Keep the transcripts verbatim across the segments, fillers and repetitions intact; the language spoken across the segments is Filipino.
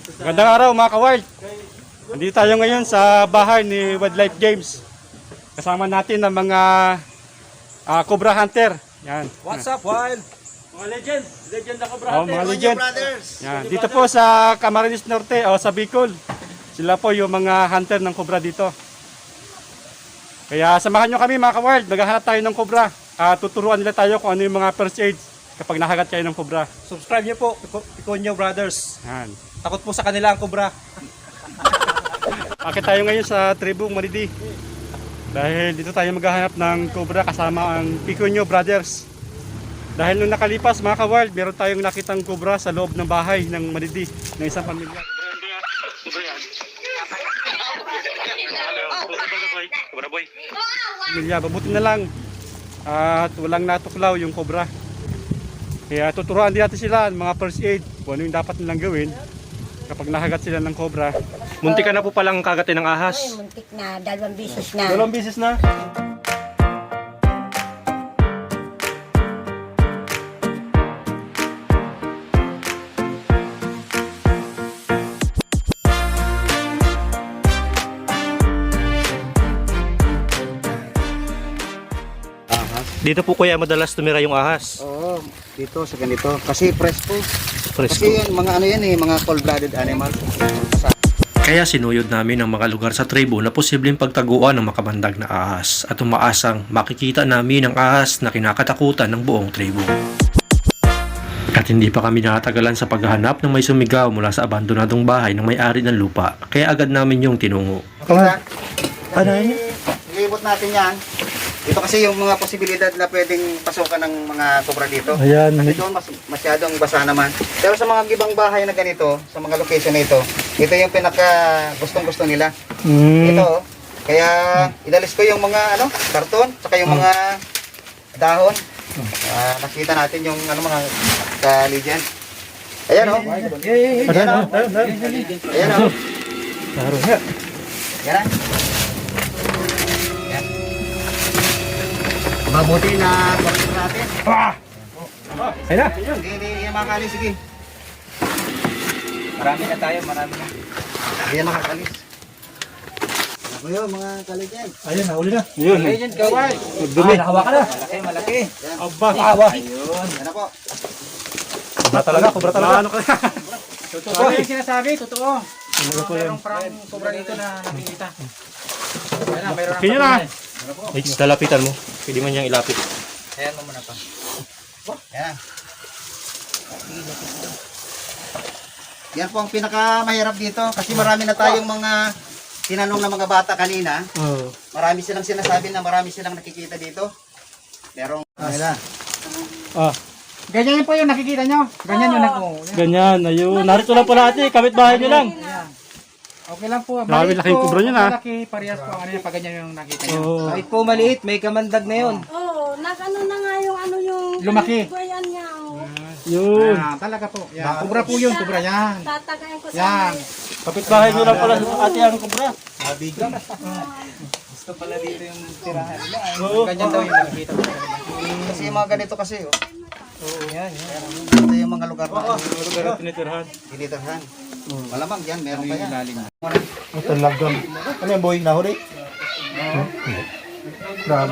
Magandang araw mga ka-wild. Nandito tayo ngayon sa bahay ni Wildlife Games. Kasama natin ang mga uh, Cobra Hunter. Yan. What's up, Wild? Mga legend. Legend na Cobra Hunter. Oh, mga legend. Yan. Dito po sa Camarines Norte o sa Bicol. Sila po yung mga hunter ng Cobra dito. Kaya samahan nyo kami mga ka-wild. Maghahanap tayo ng Cobra. Uh, tuturuan nila tayo kung ano yung mga first aid kapag nakagat kayo ng Cobra. Subscribe nyo po, Piconio Brothers. Yan. Takot po sa kanila ang Cobra. Akit tayo ngayon sa Tribong Maridi. Dahil dito tayo maghahanap ng Cobra kasama ang Piconio Brothers. Dahil nung nakalipas mga ka-wild, meron tayong nakitang Cobra sa loob ng bahay ng Maridi ng isang pamilya. Pamilya, mabuti na lang at walang natuklaw yung Cobra. Kaya tuturuan din natin sila ng mga first aid kung ano yung dapat nilang gawin kapag nakagat sila ng Cobra. Muntik ka na po palang kagatin ng ahas. Ay, muntik na. Dalawang bisis na. Dalawang bisis na. Dito po kuya madalas tumira yung ahas. Oo, dito sa ganito. Kasi presko. Presko. Kasi yan, mga ano yan eh, mga cold-blooded animal. Kaya sinuyod namin ang mga lugar sa tribo na posibleng pagtaguan ng makabandag na ahas at umaasang makikita namin ang ahas na kinakatakutan ng buong tribo. At hindi pa kami nakatagalan sa paghahanap ng may sumigaw mula sa abandonadong bahay ng may-ari ng lupa, kaya agad namin yung tinungo. Ano yun? Ilibot natin yan. Ito kasi yung mga posibilidad na pwedeng pasukan ng mga Cobra dito. Ayan. Kasi doon mas, masyadong basa naman. Pero sa mga gibang bahay na ganito, sa mga location na ito, ito yung pinaka gustong gusto nila. Mm. Ito oh. Kaya inalis ko yung mga ano, karton, saka yung mga dahon. Ah, nakita natin yung ano mga ka-legend. Ayan oh. Ayan oh. Ayan oh. Laro nga. Yan. Yan. Mabuti na korek natin. Ah! Ayun na. Hindi, hindi, hindi makakalis. Sige. Marami na tayo, marami na. Hindi na makakalis. Ako yun, mga kaligyan. Ayun, nahuli na. Ayun. Kaligyan, kaway. Magdumi. Ah, nahawakan na. Malaki, malaki. Yan. Aba. Aba. Ayun. Yan na po. Cobra talaga, Cobra talaga. Ano kaya? Totoo yung sinasabi, totoo. Mayroong parang Cobra dito na nakikita. Ayan na, mayroon Okay na. H, lalapitan mo. Pwede man niyang ilapit. Ayan mo muna pa. Yan. Yan po ang pinakamahirap dito kasi marami na tayong mga tinanong na mga bata kanina. Oh. Marami silang sinasabi na marami silang nakikita dito. Merong nila. Ah, Ganyan po yung nakikita nyo. Ganyan yung nag ganyan. Ayun. Narito lang pala ate. Kapit bahay nyo lang. Okay lang po. Grabe, Maliit laking po, Cobra yun, ah. Malaki, parehas po ang ano yan, pag ganyan yung nakita nyo. Oo. Kahit po maliit, may kamandag na yun. Oo, nag-ano na nga yung ano yung... Lumaki. Guyan niya. Oh. Yun. Ah, talaga po. Yan. Cobra po yun, Cobra yan. Tatagayin ko sa Yan. Kapit bahay nyo lang pala ate ang Cobra. Gusto pala dito yung tirahan. Ganyan daw yung nakikita ko. Kasi yung mga ganito kasi oh. Oo, yan, yan. Ito yung mga lugar na Pero tinitirhan. tinitirhan. Malamang yan, meron pa yan. Ito lagam. Ano yung boy? Nahuli? Grabe.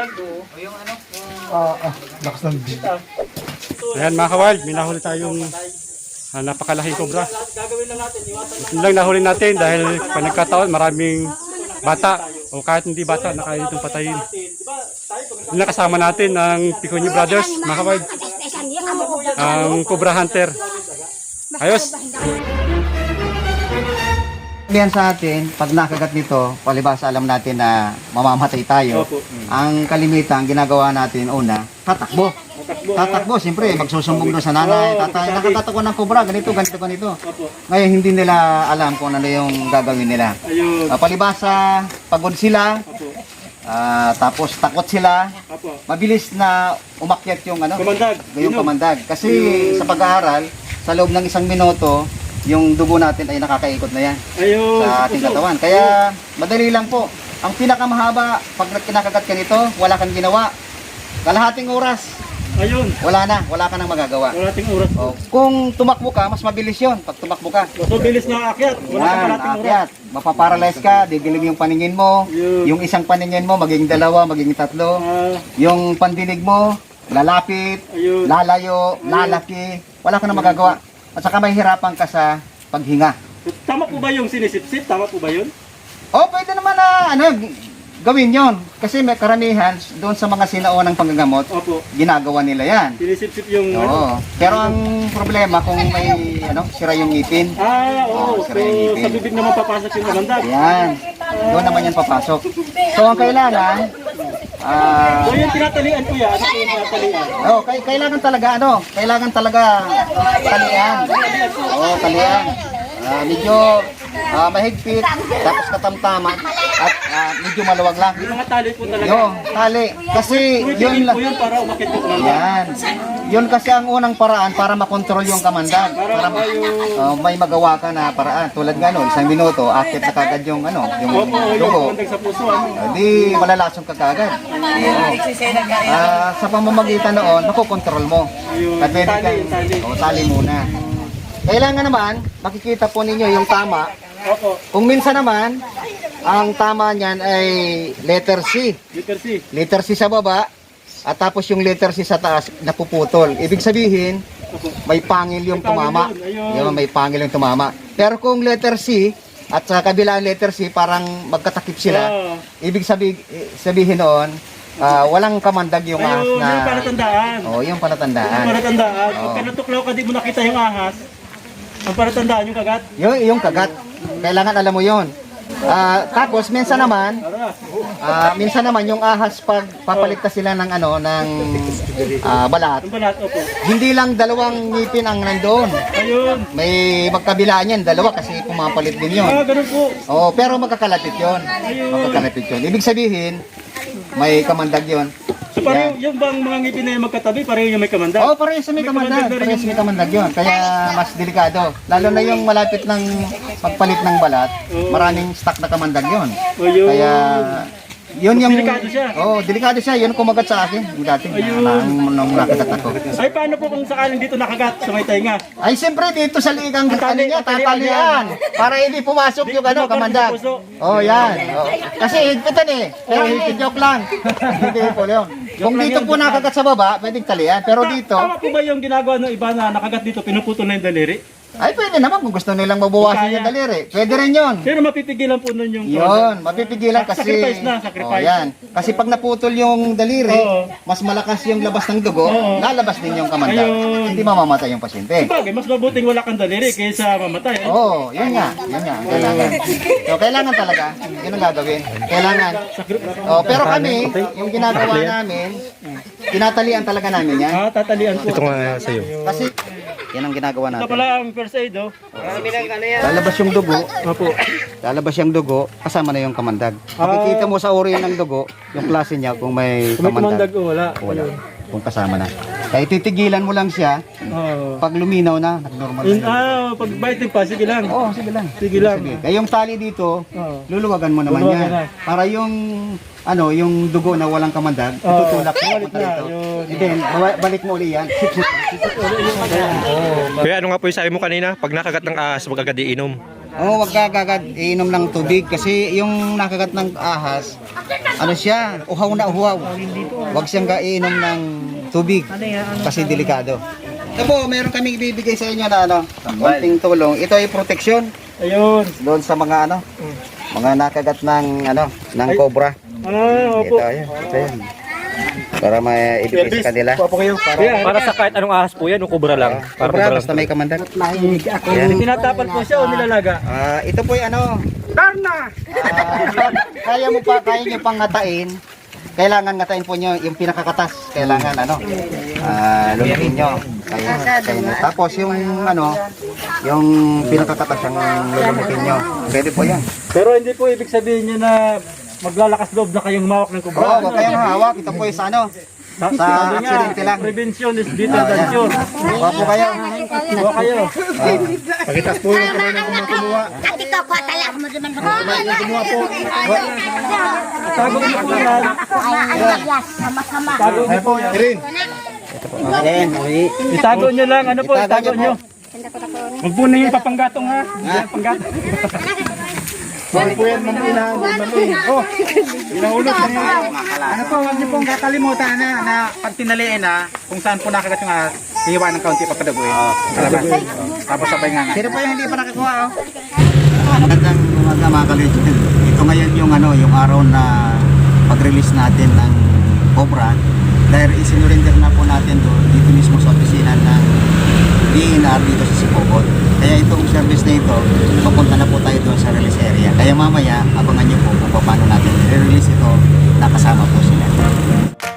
Ah, ah. Lakas ng big. Ayan mga ka-wild, may nahuli tayong ah, napakalaking Cobra. Ito lang nahuli natin dahil pag nagkataon maraming bata o kahit hindi bata na kaya itong patayin. Yung nakasama natin ng Piconio Brothers, mga ka-wild, ang Cobra Hunter. Ayos! Sabihan sa atin, pag nakagat nito, palibasa alam natin na mamamatay tayo. Ang kalimitan, ginagawa natin una, tatakbo. Tatakbo, siyempre, magsusumbong doon sa nanay, tatay, nakatatakbo ng Cobra, ganito, ganito, ganito. Ngayon, hindi nila alam kung ano yung gagawin nila. Uh, palibasa, pagod sila, uh, tapos takot sila, mabilis na umakyat yung ano, Kamandag. yung kamandag. Kasi sa pag-aaral, sa loob ng isang minuto, yung dugo natin ay nakakaikot na yan Ayun. sa ating katawan. Kaya madali lang po. Ang pinakamahaba, pag kinakagat ka nito, wala kang ginawa. Kalahating oras, Ayun. wala na, wala ka nang magagawa. Wala ting oras. Oh, kung tumakbo ka, mas mabilis yun pag tumakbo ka. So, bilis nga aakyat. Wala ka Yan, pala ting oras. aakyat. Mapaparalyze ka, didilim yung paningin mo. Yun. Yung isang paningin mo, magiging dalawa, magiging tatlo. Ah, Yung pandinig mo, lalapit, ayun. lalayo, lalaki. Wala ka nang magagawa. At saka mahihirapan ka sa paghinga. Tama po ba yung sinisip-sip? Tama po ba yun? Oh, pwede naman na ano, g- gawin yon. Kasi may karamihan doon sa mga sinaunang panggagamot, Opo. ginagawa nila yan. Sinisip-sip yung ano. Oo. Pero ang problema kung may ano, sira yung ngipin. Ah, oo. Oh, So, sira yung ngipin. sa bibig naman papasok yung kamandag. Yan. Doon naman yan papasok. So ang kailangan, ah, So, yung tinatalian ko yan, ano po yung tinatalian? oh, kay kailangan talaga ano, kailangan talaga talian. Oo, talian. Ah, medyo ah, mahigpit, tapos katamtaman, at ah, medyo maluwag lang. Yung mga tali po talaga. Yung tali. Kasi yun Tumitingin lang. po yun para umakit yung kamandag. Yan. Yun kasi ang unang paraan para makontrol yung kamandag. Para ma- oh, may magawa ka na paraan. Tulad nga no, isang minuto, akit na kagad yung ano, yung Opo, yung dugo. kamandag sa puso. Ano? Ah, Di malalasong ka kagad. Oo. Ah, sa pamamagitan noon, makokontrol mo. Yung At pwede tali, kang, yung tali. oh, tali muna. Kailangan naman, makikita po ninyo yung tama. Opo. Kung minsan naman, ang tama niyan ay letter C. Letter C. Letter C sa baba, at tapos yung letter C sa taas, napuputol. Ibig sabihin, may pangil yung May pangil tumama. yun, ayun. Yun, may pangil yung tumama. Pero kung letter C, at sa kabilang letter C, parang magkatakip sila. Ah. Ibig sabi, sabihin noon, ah, walang kamandag yung ahas Ayun, na... yung palatandaan. Oh, yung Yung palatandaan. palatandaan. Oo. Pagka natuklaw ka, di mo nakita yung ahas. Ang palatandaan yung kagat. Yung, yung kagat. Kailangan alam mo yon. Ah, tapos, minsan naman, Tara. ah, minsan naman yung ahas pag papaligtas sila ng ano, ng ah, balat, Ang balat, opo. hindi lang dalawang ngipin ang nandoon. Ayun. May magkabilaan yan, dalawa kasi pumapalit din yun. Ah, ganun po. Oo, pero magkakalapit yun. Magkakalapit yun. Ibig sabihin, may kamandag yun. So pareho, yung bang mga ngipin na yung magkatabi, pareho yung may kamandag? Oo, pareho sa may May kamandag. kamandag na rin Pareho sa may kamandag yun. Kaya mas delikado. Lalo na yung malapit ng pagpalit ng balat, Oo. maraming stock na kamandag yun. Ayun. Kaya, yun yung... Delikado siya. Oo, delikado siya. Yun kumagat sa akin. Yung dati, Ayun. na, nung, nung nakagat ako. Ay, paano po kung sakaling dito nakagat sa may tainga? Ay, siyempre dito sa ligang Ang tali- ano niya, ang talian tatalian. Para hindi pumasok Di- yung ano, di ba kamandag. parang sa puso? Oh, yan. Oh. Kasi higpitan eh. Pero hindi, joke lang. Hindi po yun. Kung lang dito yun, po joke nakagat sa baba, pwedeng talian. Pero dito, Tama po ba yung ginagawa ng iba na nakagat dito, pinuputol na yung daliri? ay pwede naman kung gusto nilang mabawasan Kaya. yung daliri. Pwede rin yun. Pero mapipigilan po nun yung... Yun, mapipigilan kasi... Sacrifice na, sacrifice. Oh, yan. Kasi pag naputol yung daliri, Oo. mas malakas yung labas ng dugo, Oo. lalabas din yung kamandag. Ayun. Hindi mamamatay yung pasyente. Bagay, mas mabuting wala kang daliri kaysa mamatay. Eh? Oo, oh, yun nga. Yun nga, ang kailangan. So, kailangan talaga. Yun ang gagawin. Kailangan. Oh, pero kami, yung ginagawa namin, tinatalian talaga namin yan. Ah, tatalian po. Ito nga. Kasi, yan ang ginagawa Ito natin. pala ang first aid, oh. Lalabas yung dugo, Opo. lalabas yung dugo, kasama na yung kamandag. Makikita mo sa uri ng dugo, yung klase niya kung may Kung may kamandag. kumandag, oh, wala. Wala. Kung kasama na. Kaya titigilan mo lang siya, Oh. pag luminaw na, normal In, na. ah, pag biting pa, sige lang. Oo, sige lang. Sige lang. Sige. Kaya yung tali dito, Oo. luluwagan mo naman Luluwagan yan. na. Para yung ano, yung dugo na walang kamandag, Oo. tutulak mo Balik papunta na, rito. yun. And then, bawa- balik mo uli yan. Kaya ano nga po yung sabi mo kanina, pag nakagat ng ahas, wag agad iinom. Oo, wag ka kagad iinom ng tubig kasi yung nakagat ng ahas, ano siya, uhaw na uhaw. Wag siyang kainom ng tubig kasi delikado. Ito po, meron kaming ibibigay sa inyo na ano, konting tulong. Ito ay proteksyon Ayun. doon sa mga ano, mga nakagat ng ano, ng cobra. Ah, opo. Ito, ayan, ito yan. Para maibigay sa kanila. Opo kayo. Para, Para sa kahit anong ahas po yan, o kubra lang. Para Cobra, kubra lang. basta may kamandag. Yan. tinatapal po siya o nilalaga? Ah, ito po ay ano, Darna! kaya mo pa, kaya nyo pang ngatain. Kailangan ngatain po nyo yung pinakakatas. Kailangan ano, ah, lumihin nyo. Kaya, kaya nyo. Tapos yung ano, yung pinakakatas yung lulumihin nyo. Pwede po yan. Pero hindi po ibig sabihin niya na maglalakas loob na kayong humawak ng Oo, kubra. huwag kayong hawak. Ito po is ano, sa Sabi nga, aksidente lang. prevention is better than cure. Huwag po kayo. Huwag kayo. Pakitas po yung kamay ng kumuha. Ati ka ko tala mo di man ko. Kumuha po. Tago niyo po yan. Ay, ayas, sama-sama. Tago niyo po yan. Irin. Ayan, uwi. Itago nyo lang, ano po, itago nyo. Huwag po na yung papanggatong ha. Yan, panggatong. Sorry po yan, mamunahan. Oh, pinahulog na yun. Ano po, huwag niyo pong kakalimutan na, na pag tinaliin na, kung saan po nakagat yung ahas, hihiwa ng kaunti papadaguin. Kalabas. Tapos sabay nga nga. Sino po yung hindi pa nakakuha, oh? Magandang umaga mga ka-legend. Ito ngayon yung ano, yung araw na pag-release natin ng Cobra. Dahil isinurinder na po natin doon dito mismo sa opisina ng D N R dito sa Sipobot. Kaya itong service na ito, papunta na po tayo doon sa release area. Kaya mamaya, abangan nyo po kung paano natin i-release ito, nakasama po sila.